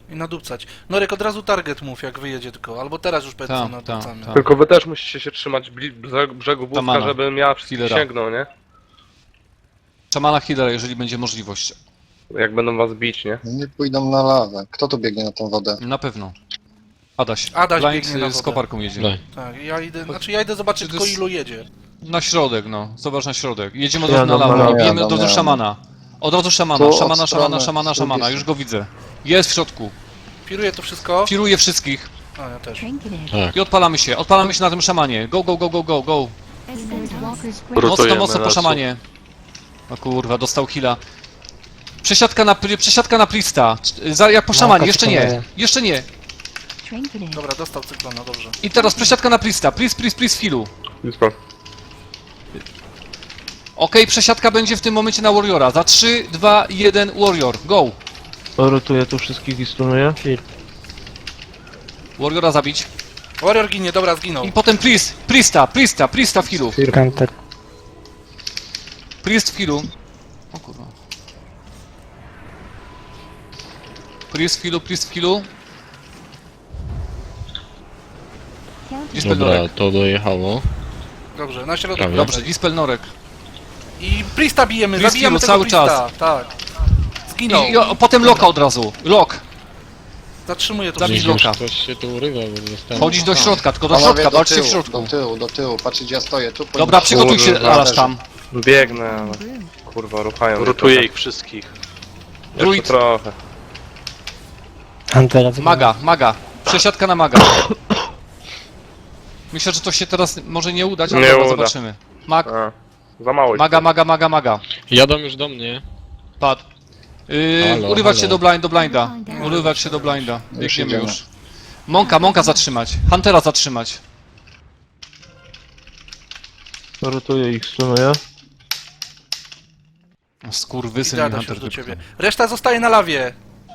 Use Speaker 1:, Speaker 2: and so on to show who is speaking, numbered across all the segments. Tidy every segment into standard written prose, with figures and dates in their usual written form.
Speaker 1: I nadupcać. Norek, od razu target mów, jak wyjedzie tylko. Albo teraz już powiedz, co nadupcamy.
Speaker 2: Tylko wy też musicie się trzymać brzegu wózka,
Speaker 3: Szamana.
Speaker 2: żebym ja wszystkich
Speaker 3: Healera.
Speaker 2: sięgnął, nie?
Speaker 3: Szamana healera, jeżeli będzie możliwość.
Speaker 2: Jak będą was bić, nie?
Speaker 4: Nie pójdą na lawę. Kto tu biegnie na tą wodę?
Speaker 3: Na pewno. Adaś.
Speaker 1: Adaś
Speaker 3: Blind
Speaker 1: biegnie na
Speaker 3: z
Speaker 1: wodę.
Speaker 3: koparką jedzie.
Speaker 5: Daj.
Speaker 1: Tak, ja idę, znaczy ja idę zobaczyć
Speaker 3: To
Speaker 1: tylko
Speaker 3: jest-
Speaker 1: ilu jedzie.
Speaker 3: Na środek, no. Zobacz na środek. Jedziemy od
Speaker 2: Ja
Speaker 3: razu na
Speaker 2: dam
Speaker 3: lawę.
Speaker 2: na-
Speaker 3: Bijemy
Speaker 4: ja
Speaker 3: od
Speaker 4: dam
Speaker 3: razu
Speaker 4: na-
Speaker 3: szamana. Od razu szamana.
Speaker 4: Tu od
Speaker 3: Szamana,
Speaker 4: strony
Speaker 3: szamana.
Speaker 4: drugiej
Speaker 3: Już go widzę. Jest w środku.
Speaker 1: Firuję to wszystko.
Speaker 3: Firuję wszystkich.
Speaker 1: A, ja też.
Speaker 5: Tak.
Speaker 3: I odpalamy się. Odpalamy się na tym szamanie. Go, go, go, go, go, go. Mocno,
Speaker 6: Rotujemy
Speaker 3: mocno po
Speaker 6: lasu.
Speaker 3: szamanie. O kurwa, dostał heala. Przesiadka na Prista. Jak po szamanie, jeszcze nie. Jeszcze nie.
Speaker 1: Dobra, dostał cyklona, dobrze.
Speaker 3: I teraz przesiadka na Prista. Priest w healu.
Speaker 2: Blisko.
Speaker 3: Okej, przesiadka będzie w tym momencie na Warriora. Za 3, 2, 1, Warrior. Go.
Speaker 6: Rotuję tu wszystkich i stunuję.
Speaker 3: Warriora zabić.
Speaker 1: Warrior ginie, dobra, zginął.
Speaker 3: I potem Priesta w healu. Priest w healu. O kurwa. Priest w healu. Dispel
Speaker 5: Dobra,
Speaker 3: Norek.
Speaker 5: to dojechało.
Speaker 1: Dobrze, na środek.
Speaker 5: Prawie.
Speaker 3: Dobrze, Dispel Norek.
Speaker 1: I Priesta bijemy,
Speaker 3: Priest
Speaker 1: zabijamy
Speaker 3: healu
Speaker 1: tego
Speaker 3: cały
Speaker 1: Priesta. Tak. Zginął.
Speaker 3: Potem Loka od razu. Lok.
Speaker 1: Zatrzymuję to
Speaker 3: Zabić
Speaker 1: wszystko.
Speaker 3: Loka.
Speaker 5: Ktoś się tu urywa, bo zostałem.
Speaker 3: Chodzić do środka, tylko do
Speaker 4: Panowie,
Speaker 3: środka, walczcie w środku.
Speaker 4: do tyłu. Patrzcie, gdzie ja stoję. Tu
Speaker 3: Dobra, przygotuj się,
Speaker 2: Kurwa,
Speaker 3: Alasz tam.
Speaker 2: Biegnę, ale... Kurwa, ruchają mnie
Speaker 6: Rotuję
Speaker 2: trochę.
Speaker 6: ich wszystkich.
Speaker 3: Druid.
Speaker 2: Jeszcze trochę.
Speaker 3: Maga. Przesiadka na maga. Myślę, że to się teraz może nie udać, ale
Speaker 2: Nie
Speaker 3: dobra,
Speaker 2: uda.
Speaker 3: zobaczymy.
Speaker 2: A, za mało ich.
Speaker 3: Maga.
Speaker 5: Jadą już do mnie.
Speaker 3: Padł.
Speaker 5: Halo,
Speaker 3: Urywać
Speaker 5: halo.
Speaker 3: się do blinda. Urywać się do blinda.
Speaker 4: Już
Speaker 3: Biegniemy
Speaker 4: idziemy.
Speaker 3: już. Monka zatrzymać. Huntera zatrzymać.
Speaker 6: Rotuję ich, stunuję.
Speaker 3: Skurwysyn
Speaker 1: Idę,
Speaker 3: mi
Speaker 1: Adaś,
Speaker 3: Hunter
Speaker 1: już do
Speaker 3: wypchnął.
Speaker 1: ciebie. Reszta zostaje na lawie.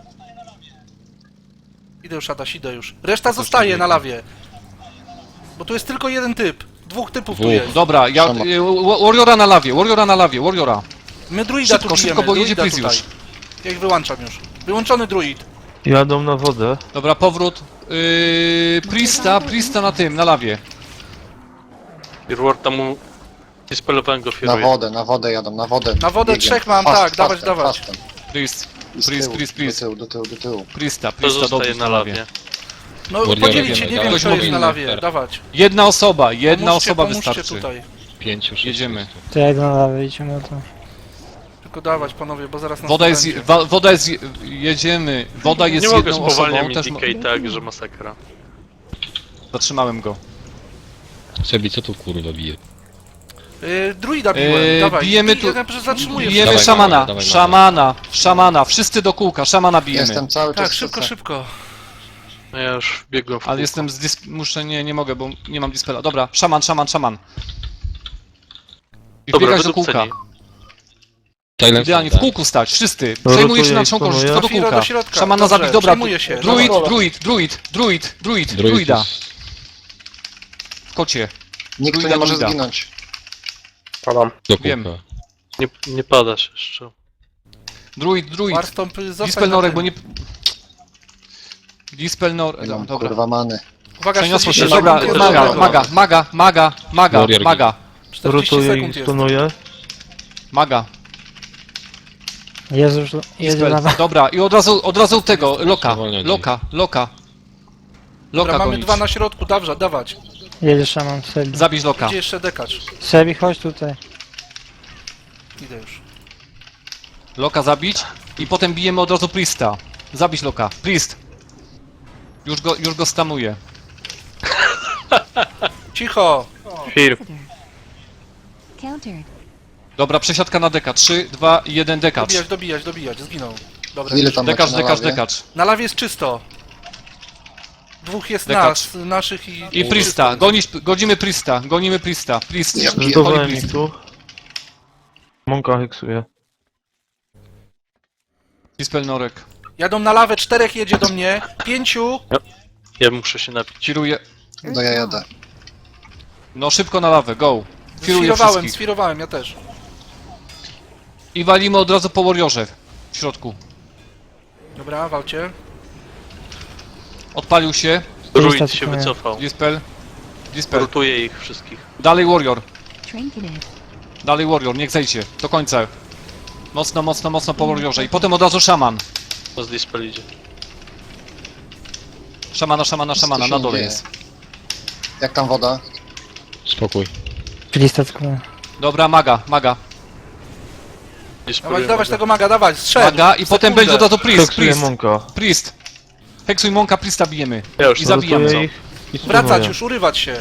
Speaker 1: Idę już, Adaś, idę już. Reszta zostaje na lawie. Bo tu jest tylko jeden typ. Dwóch typów tu
Speaker 5: Dwóch.
Speaker 1: jest.
Speaker 3: Dobra, Warriora na lawie. Warriora.
Speaker 1: My druida tu
Speaker 3: Szybko,
Speaker 1: bijemy,
Speaker 3: bo jedzie
Speaker 1: druida
Speaker 3: Priest
Speaker 1: tutaj.
Speaker 3: już.
Speaker 1: Ja ich wyłączam już. Wyłączony druid.
Speaker 6: Jadą na wodę.
Speaker 3: Dobra, powrót. Priesta na lawie.
Speaker 6: Firward tam mu... Dispelowałem go, firuję.
Speaker 4: Na wodę jadą, na wodę.
Speaker 1: Na wodę
Speaker 4: Biegiem.
Speaker 1: trzech mam, tak, dawać.
Speaker 4: Fastem.
Speaker 3: Priest.
Speaker 4: I z tyłu,
Speaker 3: Priest.
Speaker 4: Do tyłu.
Speaker 3: Priesta
Speaker 6: To zostaje
Speaker 3: dobrze
Speaker 6: na lawie.
Speaker 1: No
Speaker 5: Warrior
Speaker 1: podzielić się,
Speaker 5: wiemy,
Speaker 1: nie
Speaker 5: tak?
Speaker 1: wiem
Speaker 3: Ktoś
Speaker 1: kto jest na
Speaker 3: mobilny.
Speaker 1: lawie, dawać.
Speaker 3: Jedna osoba
Speaker 1: Pomóżcie
Speaker 3: wystarczy.
Speaker 1: tutaj.
Speaker 5: 5, 6.
Speaker 3: Jedziemy.
Speaker 7: To jak na lawę idziemy, to...
Speaker 1: Tylko dawać, panowie, bo zaraz nas
Speaker 3: Woda jest, jedziemy. Woda jest
Speaker 6: Nie mogę
Speaker 3: jedną
Speaker 6: spowalniać
Speaker 3: osobą. Też
Speaker 6: Decay tak, że masakra.
Speaker 3: zatrzymałem go.
Speaker 5: Sebi, co tu kurwa bije?
Speaker 1: druida biłem, dawaj.
Speaker 3: bijemy tu-
Speaker 1: Ja zatrzymuję.
Speaker 3: Bijemy
Speaker 5: Dawaj,
Speaker 3: szamana.
Speaker 5: dawaj,
Speaker 3: Szamana. Wszyscy do kółka. Szamana bijemy.
Speaker 4: Jestem cały czas...
Speaker 1: Tak, szybko.
Speaker 6: No ja już biegłem w
Speaker 3: Ale
Speaker 6: kółko.
Speaker 3: jestem muszę, nie mogę, bo nie mam dispela. Dobra, szaman. I
Speaker 6: Dobra,
Speaker 3: wbiegać do kółka.
Speaker 5: Silence
Speaker 3: Idealnie, w
Speaker 5: tak?
Speaker 3: kółku stać, wszyscy.
Speaker 6: Rotuję
Speaker 3: Przejmuje się na
Speaker 6: i
Speaker 3: członkość,
Speaker 6: stunuję.
Speaker 3: wszystko do
Speaker 1: Firo
Speaker 3: kółka.
Speaker 1: do środka,
Speaker 3: Szamana
Speaker 1: dobrze,
Speaker 3: zabić, dobra.
Speaker 1: przejmuje się.
Speaker 3: Druid, druida. W kocie.
Speaker 4: Nikt tu
Speaker 3: Druida,
Speaker 4: nie może
Speaker 3: druida.
Speaker 4: zginąć.
Speaker 2: Padam.
Speaker 5: Do
Speaker 3: Wiem.
Speaker 5: kółka.
Speaker 6: Nie padasz jeszcze.
Speaker 3: Druid.
Speaker 1: Warstąp, zostań
Speaker 3: Dispel
Speaker 1: na
Speaker 3: Norek,
Speaker 1: tym.
Speaker 3: bo nie... Dispel Norek,
Speaker 4: Nie mam
Speaker 3: dobra.
Speaker 4: kurwa many.
Speaker 1: Uwaga,
Speaker 3: Przeniosło się,
Speaker 1: 40
Speaker 3: dobra,
Speaker 1: sekund jest.
Speaker 3: maga.
Speaker 1: 40
Speaker 6: Rotuję
Speaker 1: sekund
Speaker 6: ich,
Speaker 1: jest.
Speaker 6: stunuję.
Speaker 3: Maga.
Speaker 7: Jezus, jedzie
Speaker 3: Dispel.
Speaker 7: lawa.
Speaker 3: Dobra, i od razu tego, Loka
Speaker 1: Dobra, mamy
Speaker 3: gonić.
Speaker 1: dwa na środku, dawać.
Speaker 7: Jedzie szaman w Sebi.
Speaker 3: Zabić Loka.
Speaker 1: Gdzie jeszcze dekacz?
Speaker 7: Sebi, chodź tutaj.
Speaker 1: Idę już.
Speaker 3: Loka zabić i potem bijemy od razu Priesta. Zabić Loka. Priest. Już go stamuje.
Speaker 1: Cicho!
Speaker 2: Fir.
Speaker 3: Dobra, przesiadka na deka. 3, 2, 1, dekacz.
Speaker 1: Dobijać, zginął. Dobra,
Speaker 4: Ile tam macie na lawie?
Speaker 3: Dekacz.
Speaker 1: na lawie jest czysto. Dwóch jest
Speaker 3: Dekacz.
Speaker 1: naszych i...
Speaker 3: I Priesta. Gonimy Priesta. Priest.
Speaker 4: Ja
Speaker 3: Chodź,
Speaker 6: Zdawałem
Speaker 3: Priest.
Speaker 6: ich tu. Monka heksuje.
Speaker 3: Dispel Norek.
Speaker 1: Jadą na lawę, 4 jedzie do mnie, 5.
Speaker 6: Ja muszę się napić.
Speaker 3: Firuje.
Speaker 4: No ja jadę.
Speaker 3: No szybko na lawę, go. Firuję wszystkich.
Speaker 1: Sfirowałem, ja też.
Speaker 3: I walimy od razu po Warriorze. W środku.
Speaker 1: Dobra, walcie.
Speaker 3: Odpalił się.
Speaker 6: Druid się
Speaker 7: Priesta
Speaker 6: wycofał.
Speaker 3: Dispel. Dispel.
Speaker 6: Rotuje ich wszystkich.
Speaker 3: Dalej Warrior.
Speaker 8: Trinketed.
Speaker 3: Dalej Warrior, niech zejdzie. Do końca. Mocno, mocno, mocno po Warriorze. I potem od razu szaman.
Speaker 6: To z dispel idzie.
Speaker 3: Szamana, szamana, szamana.
Speaker 4: się
Speaker 3: Na dole
Speaker 4: dzieje?
Speaker 3: jest.
Speaker 4: Jak tam woda?
Speaker 5: Spokój.
Speaker 7: Priesta tylko.
Speaker 3: Dobra, maga, maga.
Speaker 6: Dispeluje
Speaker 1: Dawać
Speaker 6: mogę.
Speaker 1: tego maga, dawać, strzel!
Speaker 3: Maga i potem będzie od razu priest,
Speaker 6: Heksuję
Speaker 3: priest.
Speaker 6: Monka.
Speaker 3: Priest. Heksuj Monka, Priesta bijemy.
Speaker 6: Ja już
Speaker 3: I zabijamy.
Speaker 6: rotuję ich i
Speaker 1: Wracać
Speaker 6: stunuję.
Speaker 1: już, urywać się!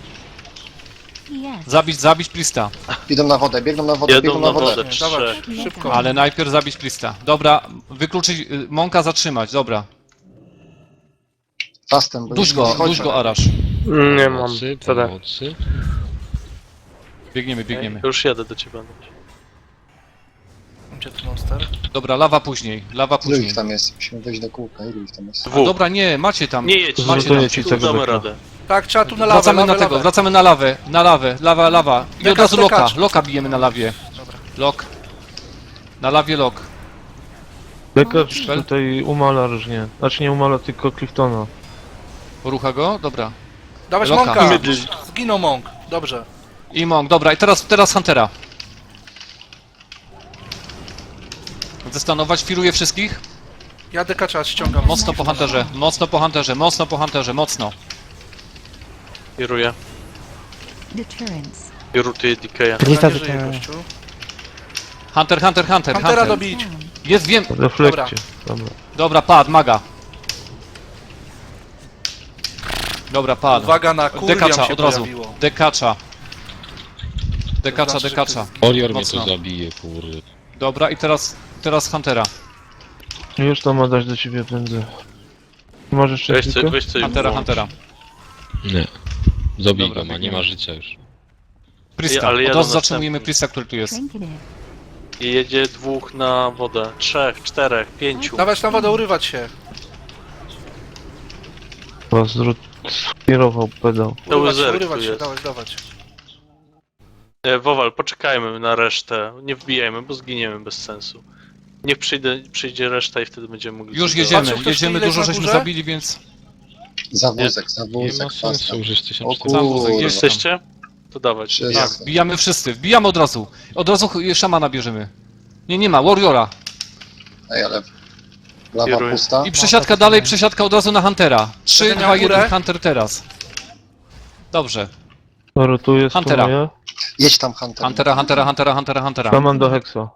Speaker 8: Yes.
Speaker 3: Zabić Priesta.
Speaker 4: Idą na wodę, biegną na wodę,
Speaker 6: Jedą
Speaker 4: biegną
Speaker 6: na
Speaker 4: na wodę.
Speaker 6: wodę,
Speaker 1: Dawać,
Speaker 6: trzech.
Speaker 1: szybko.
Speaker 3: Ale najpierw zabić Priesta. Dobra, wykluczyć, Monka zatrzymać, dobra.
Speaker 4: Fastem, bo
Speaker 3: Duś go,
Speaker 4: chodźmy.
Speaker 3: duś go Arasz.
Speaker 2: Nie mam.
Speaker 5: Pomocy,
Speaker 2: CD.
Speaker 5: pomocy.
Speaker 3: Biegniemy, biegniemy.
Speaker 6: Już jadę do ciebie.
Speaker 1: Gdzie tu monster?
Speaker 3: Dobra, lawa później, lawa
Speaker 4: Ilu
Speaker 3: później.
Speaker 4: ich tam jest? Musimy wejść do kółka, ilu ich tam jest?
Speaker 3: A
Speaker 6: Dwóch.
Speaker 3: dobra, nie, macie tam.
Speaker 6: Nie jedź,
Speaker 3: macie
Speaker 6: zrotuję
Speaker 3: tam.
Speaker 6: ci tego damy radę.
Speaker 1: Tak, trzeba tu na lawę,
Speaker 3: Wracamy
Speaker 1: lawę,
Speaker 3: na tego,
Speaker 1: lawę.
Speaker 3: wracamy na lawę, lawa. I od
Speaker 1: Dekacz,
Speaker 3: razu loka,
Speaker 1: dekacz.
Speaker 3: loka bijemy na lawie.
Speaker 1: Dobra.
Speaker 3: Lok. Na lawie lok.
Speaker 6: Dekacz
Speaker 3: Spell?
Speaker 6: tutaj umala różnie. Znaczy nie umala, tylko Cliftona.
Speaker 3: Porucha go? Dobra.
Speaker 1: Dawać
Speaker 3: Loka.
Speaker 1: Monka!
Speaker 6: Mydl.
Speaker 1: Zginął Monk, dobrze.
Speaker 3: I Monk, dobra, i teraz Huntera. Zestanować, firuje wszystkich.
Speaker 1: Ja dekacza ściągam.
Speaker 3: Mocno po Hunterze, mocno po Hunterze, mocno po Hunterze, mocno.
Speaker 6: Kieruję.
Speaker 8: Deterrence.
Speaker 6: I rotuję DK.
Speaker 7: Priesta
Speaker 1: Nie żyje
Speaker 7: tylko.
Speaker 1: gościu.
Speaker 3: Hunter.
Speaker 1: Huntera dobić.
Speaker 8: Down.
Speaker 3: Jest, wiem.
Speaker 6: Reflekcie. Dobra.
Speaker 3: Dobra, padł, maga. Dobra, padł.
Speaker 1: Uwaga na kurwiam
Speaker 3: Dekacza,
Speaker 1: się
Speaker 3: od razu.
Speaker 1: pojawiło.
Speaker 3: Dekacza.
Speaker 1: znaczy, że
Speaker 3: Dekacza.
Speaker 5: Warrior mnie
Speaker 3: Mocno.
Speaker 5: tu zabije, kurde.
Speaker 3: Dobra, i teraz Huntera.
Speaker 6: Już to ma dać do ciebie prędzej. Możesz
Speaker 2: Weź
Speaker 6: jeszcze
Speaker 2: coś, weź coś
Speaker 3: Huntera,
Speaker 2: włącz.
Speaker 3: Huntera.
Speaker 5: Nie. Zabij
Speaker 3: Dobra,
Speaker 5: go, ma, nie
Speaker 3: biegniemy.
Speaker 5: ma życia już.
Speaker 3: Priesta,
Speaker 6: ale
Speaker 3: od
Speaker 6: jadą
Speaker 3: razu zatrzymujemy
Speaker 6: następni.
Speaker 3: Priesta, który tu jest.
Speaker 8: Trinketed.
Speaker 6: I jedzie dwóch na wodę. Trzech, czterech, pięciu.
Speaker 1: Dawać na wodę, urywać się.
Speaker 6: Was skierował pedał.
Speaker 1: Urywać się,
Speaker 6: Zerk
Speaker 1: urywać
Speaker 6: tu
Speaker 1: się,
Speaker 6: jest.
Speaker 1: dawać.
Speaker 6: Wowal, poczekajmy na resztę. Nie wbijajmy, bo zginiemy bez sensu. Niech przyjdzie reszta i wtedy będziemy mogli...
Speaker 3: Już
Speaker 6: sobie
Speaker 3: jedziemy,
Speaker 1: Patrzył ktoś,
Speaker 3: jedziemy,
Speaker 1: ile jest
Speaker 3: dużo
Speaker 1: na
Speaker 3: żeśmy
Speaker 1: górze?
Speaker 3: zabili, więc...
Speaker 4: Za
Speaker 6: Nie.
Speaker 4: wózek, za
Speaker 5: Nie
Speaker 4: wózek,
Speaker 5: ma sensu,
Speaker 4: fastem.
Speaker 5: już jest
Speaker 4: O
Speaker 5: 1400.
Speaker 4: kurwa.
Speaker 6: Jesteście? To dawać.
Speaker 4: Wszyscy.
Speaker 3: Wbijamy wszyscy, wbijamy od razu. Od razu szamana bierzemy. Nie ma, Warriora.
Speaker 4: Ej, ale... Lawa
Speaker 6: Kieruję.
Speaker 4: pusta.
Speaker 3: I przesiadka dalej, przesiadka od razu na Huntera. 3,
Speaker 1: Będę
Speaker 3: 2,
Speaker 1: miał
Speaker 3: 1,
Speaker 1: górę?
Speaker 3: Hunter teraz. Dobrze.
Speaker 6: Rotuję,
Speaker 3: Huntera.
Speaker 6: stunuję.
Speaker 4: Jedź tam, Hunter.
Speaker 3: Huntera.
Speaker 6: Szaman do Hexa.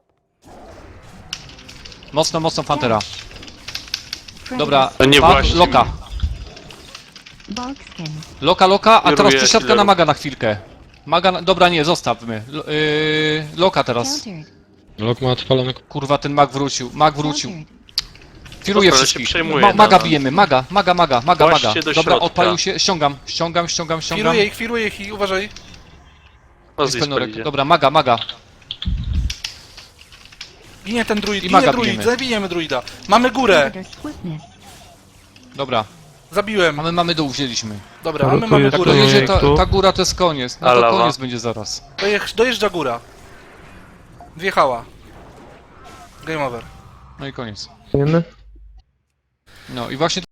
Speaker 3: Mocno w Huntera. Dobra,
Speaker 6: To nie
Speaker 3: padł,
Speaker 6: właśnie.
Speaker 3: Loka.
Speaker 8: Barkskin.
Speaker 3: Loka, a teraz
Speaker 6: Kieruję
Speaker 3: przesiadka na
Speaker 6: healerów.
Speaker 3: maga na chwilkę. Maga, dobra, nie, zostawmy. Loka teraz.
Speaker 8: Countered.
Speaker 5: Lok ma odpalone.
Speaker 3: Kurwa, ten mag wrócił.
Speaker 8: Countered.
Speaker 3: Firuje
Speaker 6: Dobra,
Speaker 3: wszystkich.
Speaker 6: się przejmuję,
Speaker 3: Maga
Speaker 6: no.
Speaker 3: bijemy, maga.
Speaker 6: Właśnie do
Speaker 3: Dobra,
Speaker 6: środka.
Speaker 3: odpalił się, ściągam.
Speaker 1: Firuję ich i uważaj.
Speaker 6: O,
Speaker 3: Jest penorek.
Speaker 6: idzie.
Speaker 3: Dobra, maga.
Speaker 1: Ginie ten druid,
Speaker 3: I
Speaker 1: ginie
Speaker 3: maga
Speaker 1: druid,
Speaker 3: bijemy.
Speaker 1: zabijemy druida. Mamy górę,
Speaker 8: Predator swiftness.
Speaker 3: Dobra,
Speaker 1: zabiłem.
Speaker 3: mamy dół, wzięliśmy.
Speaker 1: Dobra,
Speaker 6: No
Speaker 1: my
Speaker 6: to
Speaker 1: mamy
Speaker 6: jest
Speaker 3: Jak
Speaker 1: górę.
Speaker 6: to-
Speaker 3: dojedzie
Speaker 6: tu.
Speaker 3: ta góra, to jest koniec. No
Speaker 6: A
Speaker 3: to
Speaker 6: lawa?
Speaker 3: koniec będzie zaraz.
Speaker 1: Dojeżdża góra. Wjechała. Game over.
Speaker 3: No i koniec.
Speaker 6: Wiemy?
Speaker 3: No i właśnie